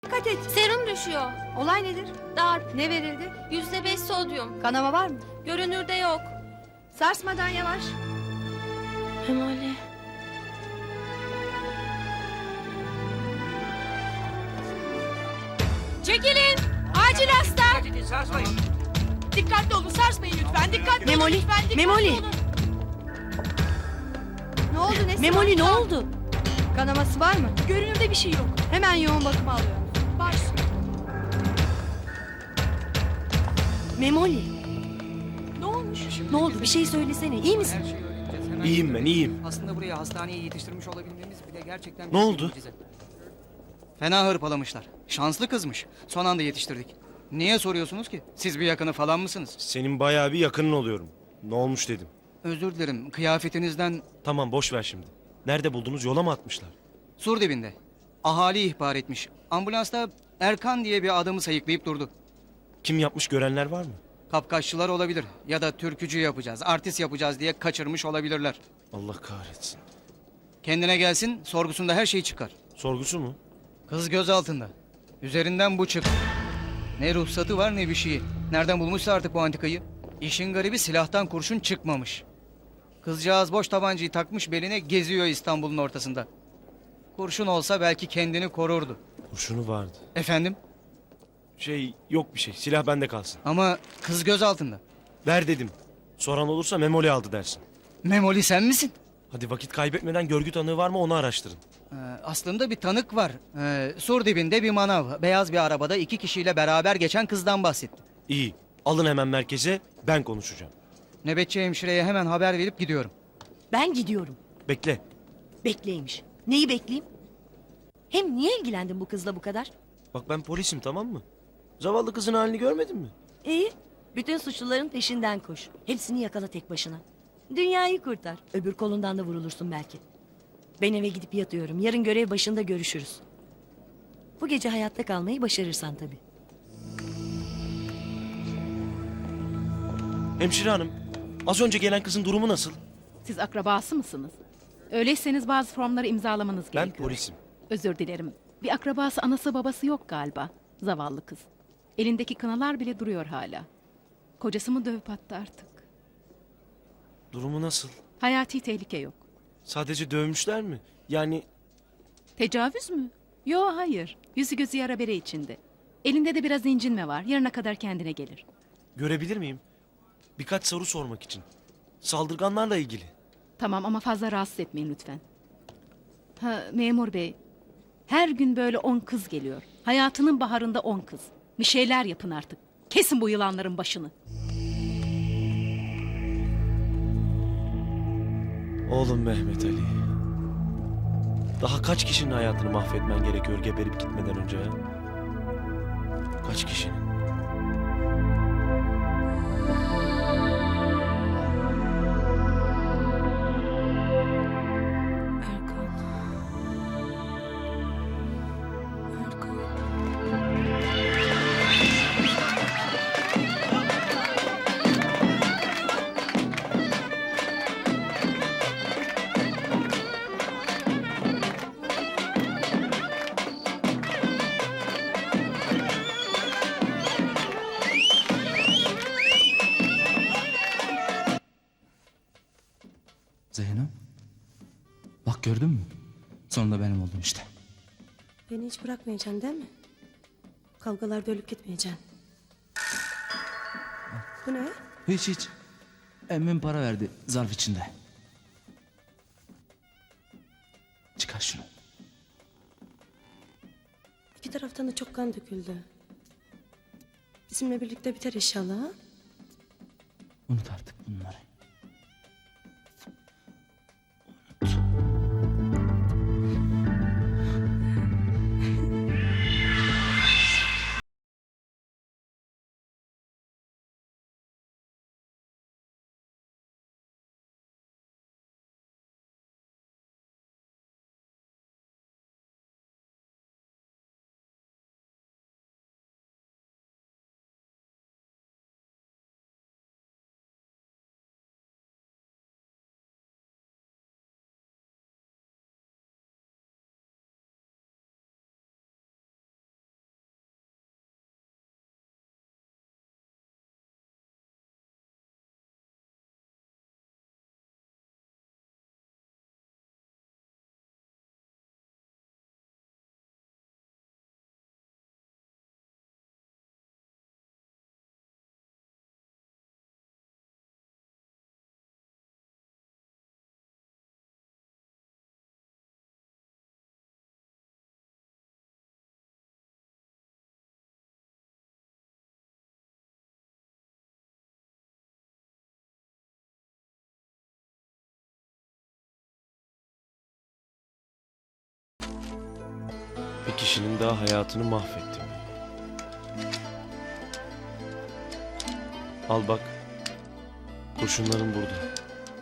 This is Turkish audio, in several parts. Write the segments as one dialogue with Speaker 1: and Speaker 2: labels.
Speaker 1: Dikkat et.
Speaker 2: Serum düşüyor.
Speaker 1: Olay nedir?
Speaker 2: Darp.
Speaker 1: Ne verildi?
Speaker 2: %5 sodyum.
Speaker 1: Kanama var mı?
Speaker 2: Görünürde yok.
Speaker 1: Sarsmadan yavaş.
Speaker 2: Memoli.
Speaker 3: Çekilin! Acil hasta!
Speaker 4: Sarsmayın.
Speaker 3: Dikkatli olun, sarsmayın lütfen. Dikkatli
Speaker 1: Memoli,
Speaker 3: olun lütfen. Dikkatli
Speaker 1: Memoli.
Speaker 3: olun.
Speaker 1: Ne oldu nesi
Speaker 5: Memoli ne
Speaker 1: var?
Speaker 5: oldu?
Speaker 1: Kanaması var mı?
Speaker 3: Görünürde bir şey yok.
Speaker 1: Hemen yoğun bakıma alıyorum.
Speaker 3: Baş.
Speaker 5: Memoli
Speaker 3: Ne olmuş?
Speaker 5: ne oldu bir şey söylesene iyi misin?
Speaker 4: Her şeyi öğreneceğiz. Hemen
Speaker 6: İyiyim ben, iyiyim.
Speaker 4: Aslında buraya hastaneye yetiştirmiş olabilmemiz bile gerçekten...
Speaker 6: Ne
Speaker 4: büyük bir
Speaker 6: oldu?
Speaker 4: mucize. Fena hırpalamışlar. Şanslı kızmış. Son anda yetiştirdik. Niye soruyorsunuz ki? Siz bir yakını falan mısınız?
Speaker 6: Senin bayağı bir yakının oluyorum. Ne olmuş dedim.
Speaker 4: Özür dilerim. Kıyafetinizden
Speaker 6: Tamam boş ver şimdi. Nerede buldunuz, yola mı atmışlar?
Speaker 4: sur dibinde. Ahali ihbar etmiş. Ambulansta Erkan diye bir adamı sayıklayıp durdu.
Speaker 6: Kim yapmış, görenler var mı?
Speaker 4: Kapkaççılar olabilir. Ya da türkücü yapacağız, artist yapacağız diye kaçırmış olabilirler.
Speaker 6: Allah kahretsin.
Speaker 4: Kendine gelsin, sorgusunda her şey çıkar.
Speaker 6: Sorgusu mu?
Speaker 4: Kız göz altında. Üzerinden bu çık. Ne ruhsatı var ne bir şeyi. Nereden bulmuşsa artık bu antikayı. İşin garibi silahtan kurşun çıkmamış. Kızcağız boş tabancayı takmış beline geziyor İstanbul'un ortasında. Kurşun olsa belki kendini korurdu.
Speaker 6: Kurşunu vardı.
Speaker 4: Efendim?
Speaker 6: Yok bir şey. Silah bende kalsın.
Speaker 4: Ama kız göz altında.
Speaker 6: Ver dedim. Soran olursa Memoli aldı dersin.
Speaker 4: Memoli sen misin?
Speaker 6: Hadi vakit kaybetmeden görgü tanığı var mı onu araştırın.
Speaker 4: Aslında bir tanık var. Sur dibinde bir manav. Beyaz bir arabada 2 kişiyle beraber geçen kızdan bahsetti.
Speaker 6: İyi. Alın hemen merkeze, ben konuşacağım.
Speaker 4: Nöbetçi hemşireye hemen haber verip gidiyorum.
Speaker 5: Ben gidiyorum.
Speaker 6: Bekle.
Speaker 5: Bekleymiş. Neyi bekleyeyim? Hem niye ilgilendin bu kızla bu kadar?
Speaker 6: Bak ben polisim, tamam mı? Zavallı kızın halini görmedin mi?
Speaker 5: İyi. Bütün suçluların peşinden koş. Hepsini yakala tek başına. Dünyayı kurtar. Öbür kolundan da vurulursun belki. Ben eve gidip yatıyorum. Yarın görev başında görüşürüz. Bu gece hayatta kalmayı başarırsan tabii.
Speaker 6: Hemşire hanım, az önce gelen kızın durumu nasıl?
Speaker 7: Siz akrabası mısınız? Öyleyseniz bazı formları imzalamanız
Speaker 6: Ben
Speaker 7: gerekiyor.
Speaker 6: polisim.
Speaker 7: Özür dilerim. Bir akrabası, anası, babası yok galiba. Zavallı kız. Elindeki kınalar bile duruyor hala. Kocası mı dövüp attı artık?
Speaker 6: Durumu nasıl?
Speaker 7: Hayati tehlike yok.
Speaker 6: Sadece dövmüşler mi? Yani
Speaker 7: Tecavüz mü? Yo, hayır. Yüzü gözü yara bere içinde. Elinde de biraz incinme var. Yarına kadar kendine gelir.
Speaker 6: görebilir miyim? Birkaç soru sormak için. Saldırganlarla ilgili.
Speaker 7: Tamam ama fazla rahatsız etmeyin lütfen. Ha, memur bey. Her gün böyle 10 kız geliyor. Hayatının baharında 10 kız. Bir şeyler yapın artık. Kesin bu yılanların başını.
Speaker 6: Oğlum Mehmet Ali. Daha kaç kişinin hayatını mahvetmen gerekiyor geberip gitmeden önce ya? Kaç kişinin?
Speaker 2: Erkan. Erkan.
Speaker 8: Zeyno. Bak gördün mü? Sonunda benim oldun işte.
Speaker 9: Beni hiç bırakmayacaksın değil mi? Kavgalarda ölüp gitmeyeceksin. Bu ne?
Speaker 8: Hiç. Emmim para verdi zarf içinde. Çıkar şunu.
Speaker 9: İki taraftan da çok kan döküldü. Bizimle birlikte biter inşallah. Ha?
Speaker 8: Unut artık bunları.
Speaker 6: Bir kişinin daha hayatını mahvettim. Al bak. Kurşunların burada.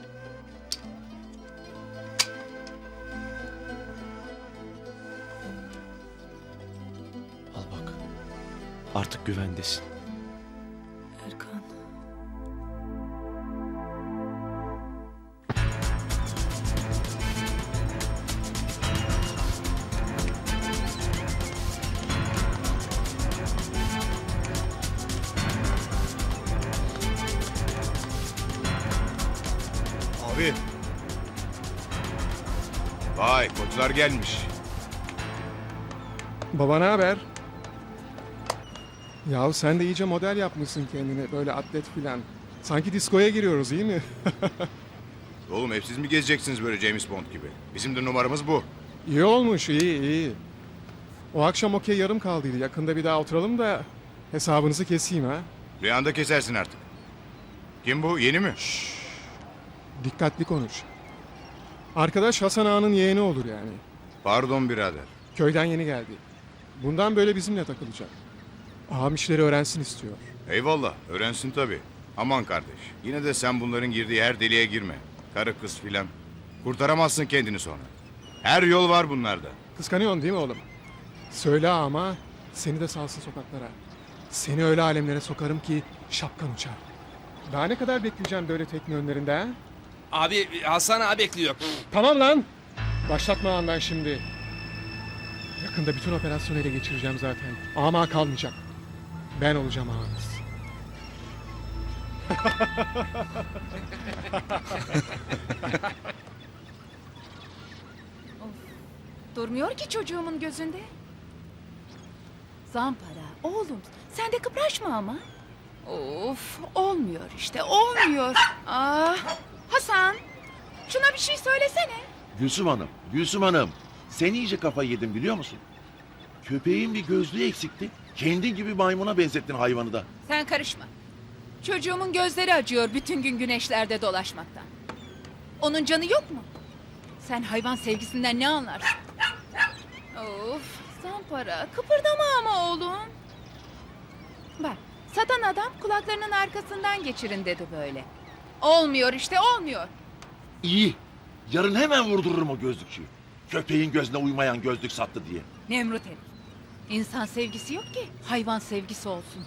Speaker 6: Al bak. Artık güvendesin.
Speaker 2: Erkan.
Speaker 10: Abi. Vay koçlar gelmiş.
Speaker 11: Baba ne haber? Yahu sen de iyice model yapmışsın kendine böyle atlet filan. Sanki diskoya giriyoruz iyi mi?
Speaker 10: Oğlum hep siz mi gezeceksiniz böyle James Bond gibi? Bizim de numaramız bu.
Speaker 11: İyi olmuş iyi. O akşam okey yarım kaldıydı. Yakında bir daha oturalım da hesabınızı keseyim ha.
Speaker 10: Rüyanda kesersin artık. Kim bu? Yeni mi?
Speaker 11: Dikkatli konuş. Arkadaş Hasan Ağa'nın yeğeni olur yani.
Speaker 10: Pardon birader.
Speaker 11: Köyden yeni geldi. Bundan böyle bizimle takılacak. Ağam işleri öğrensin istiyor.
Speaker 10: Eyvallah öğrensin tabii. Aman kardeş. Yine de sen bunların girdiği her deliğe girme. Karı kız filan. Kurtaramazsın kendini sonra. Her yol var bunlarda.
Speaker 11: Kıskanıyorsun değil mi oğlum? Söyle ama seni de salsın sokaklara. Seni öyle alemlere sokarım ki şapkan uçar. Daha ne kadar bekleyeceğim böyle tekne önlerinde ha?
Speaker 12: Abi Hasan abi bekliyor.
Speaker 11: Tamam lan. Başlatma andan şimdi. Yakında bütün operasyonu ele geçireceğim zaten. Ama kalmayacak. Ben olacağım ağanız.
Speaker 3: Durmuyor ki çocuğumun gözünde. Zampara, oğlum sen de kıpraşma ama. Of, olmuyor işte, olmuyor. Ah, Hasan, şuna bir şey söylesene.
Speaker 13: Gülsüm Hanım, sen iyice kafayı yedin biliyor musun? Köpeğin bir gözlüğü eksikti. Kendin gibi maymuna benzettin hayvanı da.
Speaker 3: Sen karışma. Çocuğumun gözleri acıyor bütün gün güneşlerde dolaşmaktan. Onun canı yok mu? Sen hayvan sevgisinden ne anlarsın? Of, Zampara, kıpırdama ama oğlum. Bak, satan adam kulaklarının arkasından geçirin dedi böyle. Olmuyor işte, olmuyor.
Speaker 13: İyi. Yarın hemen vurdururum o gözlükçüyü. Köpeğin gözüne uymayan gözlük sattı diye.
Speaker 3: Nemrut herif. İnsan sevgisi yok ki hayvan sevgisi olsun.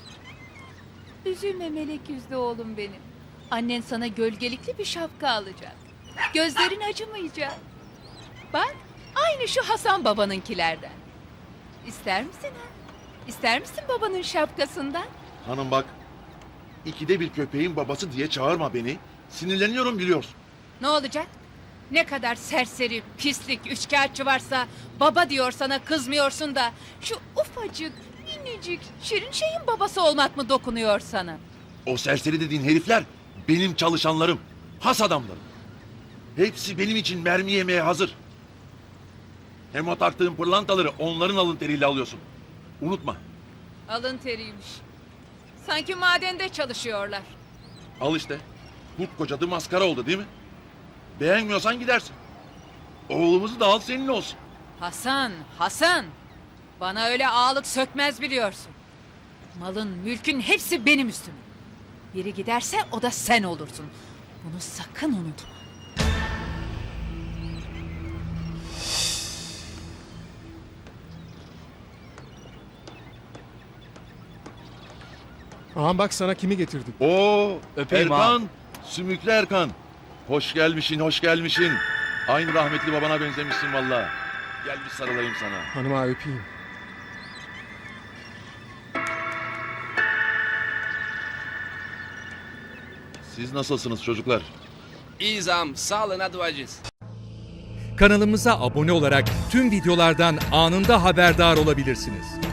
Speaker 3: Üzülme melek yüzlü oğlum benim. Annen sana gölgelikli bir şapka alacak. Gözlerin acımayacak. Bak aynı şu Hasan babanınkilerden. İster misin ha? İster misin babanın şapkasından?
Speaker 13: Hanım bak, ikide bir köpeğin babası diye çağırma beni. Sinirleniyorum biliyorsun.
Speaker 3: Ne olacak? Ne kadar serseri, pislik, üçkağıtçı varsa baba diyor sana kızmıyorsun da şu ufacık, minicik, şirin şeyin babası olmak mı dokunuyor sana?
Speaker 13: O serseri dediğin herifler benim çalışanlarım. Has adamlarım. Hepsi benim için mermi yemeye hazır. Hem o taktığın pırlantaları onların alın teriyle alıyorsun. Unutma.
Speaker 3: Alın teriymiş. Sanki madende çalışıyorlar.
Speaker 13: Al işte. Kurt kocadı maskara oldu değil mi? Beğenmiyorsan gidersin. Oğlumuzu da al senin olsun.
Speaker 3: Hasan, Hasan. Bana öyle ağalık sökmez biliyorsun. Malın, mülkün hepsi benim üstüme. Biri giderse o da sen olursun. Bunu sakın unutma.
Speaker 11: Ağam bak sana kimi getirdik.
Speaker 13: Oo,
Speaker 4: Öpeyim
Speaker 13: Erkan, Sümüklü Erkan. Hoş gelmişsin, hoş gelmişsin. Aynı rahmetli babana benzemişsin valla. Gel bir sarılayım sana.
Speaker 11: Hanıma öpeyim.
Speaker 13: Siz nasılsınız çocuklar?
Speaker 12: İyi zam, sağlığına duacıyız.
Speaker 14: Kanalımıza abone olarak tüm videolardan anında haberdar olabilirsiniz.